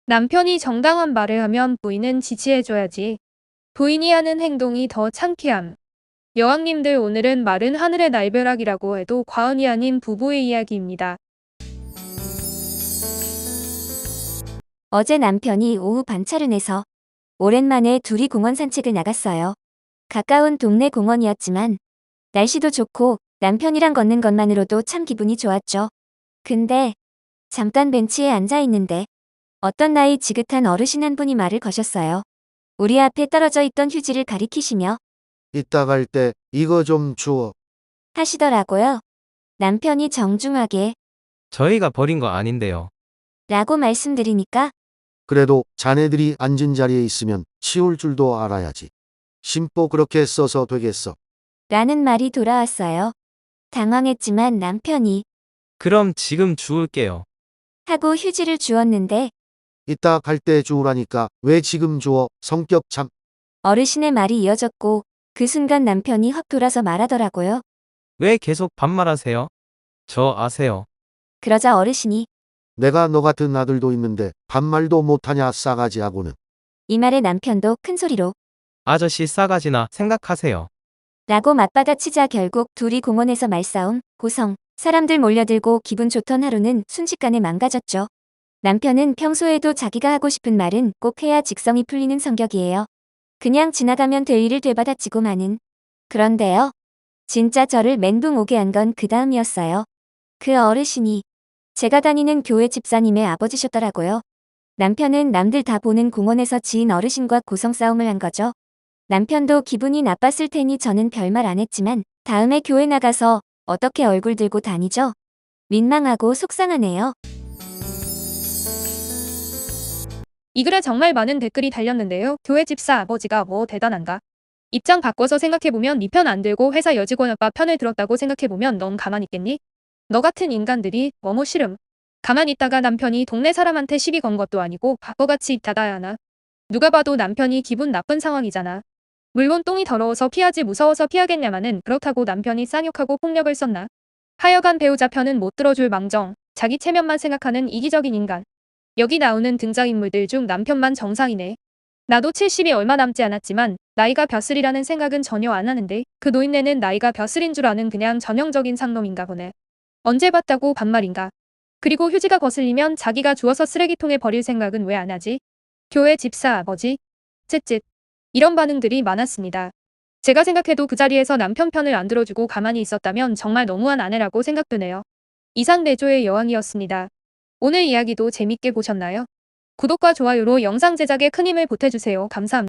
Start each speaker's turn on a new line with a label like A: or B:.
A: 남편이 정당한 말을 하면 부인은 지지해줘야지. 부인이 하는 행동이 더 창피함. 여왕님들, 오늘은 마른 하늘의 날벼락이라고 해도 과언이 아닌 부부의 이야기입니다.
B: 어제 남편이 오후 반차를 내서 오랜만에 둘이 공원 산책을 나갔어요. 가까운 동네 공원이었지만 날씨도 좋고 남편이랑 걷는 것만으로도 참 기분이 좋았죠. 근데 잠깐 벤치에 앉아 있는데 어떤 나이 지긋한 어르신 한 분이 말을 거셨어요. 우리 앞에 떨어져 있던 휴지를 가리키시며
C: 이따 갈 때 이거 좀 주워.
B: 하시더라고요. 남편이 정중하게
D: 저희가 버린 거 아닌데요.
B: 라고 말씀드리니까
C: 그래도 자네들이 앉은 자리에 있으면 치울 줄도 알아야지. 심보 그렇게 써서 되겠어.
B: 라는 말이 돌아왔어요. 당황했지만 남편이
D: 그럼 지금 주울게요.
B: 하고 휴지를 주었는데
C: 이따 갈 때 주우라니까 왜 지금 주워? 성격 참.
B: 어르신의 말이 이어졌고 그 순간 남편이 확 돌아서 말하더라고요.
D: 왜 계속 반말하세요? 저 아세요.
B: 그러자 어르신이
C: 내가 너 같은 아들도 있는데 반말도 못하냐 싸가지하고는.
B: 이 말에 남편도 큰 소리로
D: 아저씨 싸가지나 생각하세요.
B: 라고 맞받아치자 결국 둘이 공원에서 말싸움, 고성, 사람들 몰려들고 기분 좋던 하루는 순식간에 망가졌죠. 남편은 평소에도 자기가 하고 싶은 말은 꼭 해야 직성이 풀리는 성격이에요. 그냥 지나가면 될 일을 되받아치고 마는. 그런데요. 진짜 저를 멘붕 오게 한 건 그 다음이었어요. 그 어르신이 제가 다니는 교회 집사님의 아버지셨더라고요. 남편은 남들 다 보는 공원에서 지인 어르신과 고성 싸움을 한 거죠. 남편도 기분이 나빴을 테니 저는 별말 안 했지만 다음에 교회 나가서 어떻게 얼굴 들고 다니죠? 민망하고 속상하네요.
A: 이 글에 정말 많은 댓글이 달렸는데요. 교회 집사 아버지가 뭐 대단한가? 입장 바꿔서 생각해보면 네 편 안 들고 회사 여직원 아빠 편을 들었다고 생각해보면 넌 가만히 있겠니? 너 같은 인간들이 너무 싫음. 가만히 있다가 남편이 동네 사람한테 시비 건 것도 아니고 바보같이 입 닫아야 하나? 누가 봐도 남편이 기분 나쁜 상황이잖아. 물론 똥이 더러워서 피하지 무서워서 피하겠냐마는 그렇다고 남편이 쌍욕하고 폭력을 썼나? 하여간 배우자 편은 못 들어줄 망정, 자기 체면만 생각하는 이기적인 인간. 여기 나오는 등장인물들 중 남편만 정상이네. 나도 70이 얼마 남지 않았지만 나이가 벼슬이라는 생각은 전혀 안 하는데 그 노인네는 나이가 벼슬인 줄 아는 그냥 전형적인 상놈인가 보네. 언제 봤다고 반말인가? 그리고 휴지가 거슬리면 자기가 주워서 쓰레기통에 버릴 생각은 왜 안 하지? 교회 집사 아버지? 쯧쯧. 이런 반응들이 많았습니다. 제가 생각해도 그 자리에서 남편 편을 안 들어주고 가만히 있었다면 정말 너무한 아내라고 생각되네요. 이상 내조의 여왕이었습니다. 오늘 이야기도 재밌게 보셨나요? 구독과 좋아요로 영상 제작에 큰 힘을 보태주세요. 감사합니다.